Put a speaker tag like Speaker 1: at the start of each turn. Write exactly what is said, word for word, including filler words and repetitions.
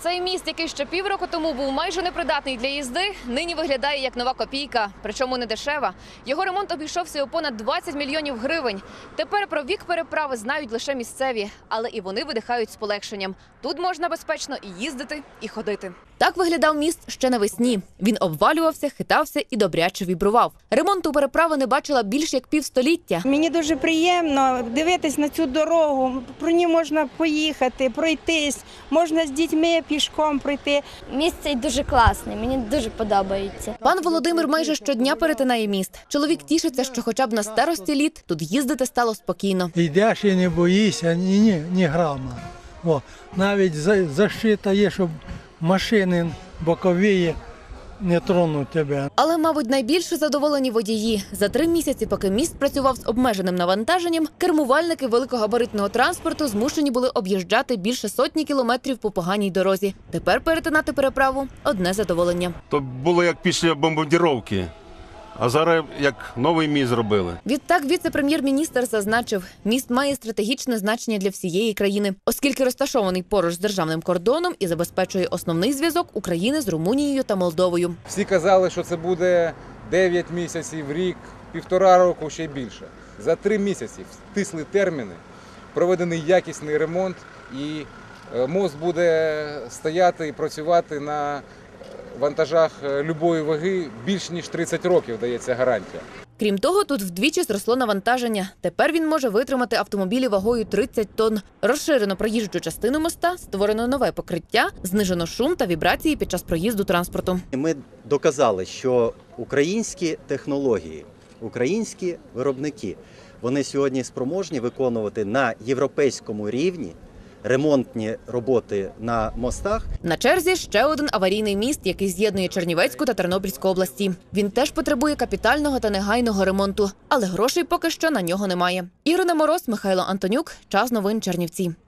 Speaker 1: Цей міст, який ще півроку тому був майже непридатний для їзди, нині виглядає як нова копійка, причому не дешева. Його ремонт обійшовся у понад двадцять мільйонів гривень. Тепер про вік переправи знають лише місцеві, але і вони видихають з полегшенням. Тут можна безпечно і їздити, і ходити. Так виглядав міст ще навесні. Він обвалювався, хитався і добряче вібрував. Ремонту переправи не бачила більш як півстоліття.
Speaker 2: Мені дуже приємно дивитись на цю дорогу. Про ній можна поїхати, пройтись, можна з дітьми пішком пройти.
Speaker 3: Міст цей дуже класний, мені дуже подобається.
Speaker 1: Пан Володимир майже щодня перетинає міст. Чоловік тішиться, що хоча б на старості літ тут їздити стало спокійно.
Speaker 4: Йдеш і не боїшся ні, ні, ні грама. О, навіть защита є, щоб машини бокові не тронуть тебе.
Speaker 1: Але, мабуть, найбільше задоволені водії. За три місяці, поки міст працював з обмеженим навантаженням, кермувальники великогабаритного транспорту змушені були об'їжджати більше сотні кілометрів по поганій дорозі. Тепер перетинати переправу – одне задоволення.
Speaker 5: То було як після бомбардировки, а зараз як новий міст зробили.
Speaker 1: Відтак віце-прем'єр-міністр зазначив, міст має стратегічне значення для всієї країни, оскільки розташований поруч з державним кордоном і забезпечує основний зв'язок України з Румунією та Молдовою.
Speaker 6: Всі казали, що це буде дев'ять місяців, рік, півтора року, ще більше. За три місяці втисли терміни, проведений якісний ремонт і мост буде стояти і працювати на вантажах любої ваги більш ніж тридцять років, дається гарантія.
Speaker 1: Крім того, тут вдвічі зросло навантаження. Тепер він може витримати автомобілі вагою тридцять тонн. Розширено проїжджу частину моста, створено нове покриття, знижено шум та вібрації під час проїзду транспорту.
Speaker 7: Ми доказали, що українські технології, українські виробники, вони сьогодні спроможні виконувати на європейському рівні ремонтні роботи на мостах.
Speaker 1: На черзі ще один аварійний міст, який з'єднує Чернівецьку та Тернопільську області. Він теж потребує капітального та негайного ремонту, але грошей поки що на нього немає. Ірина Мороз, Михайло Антонюк. Час новин Чернівці.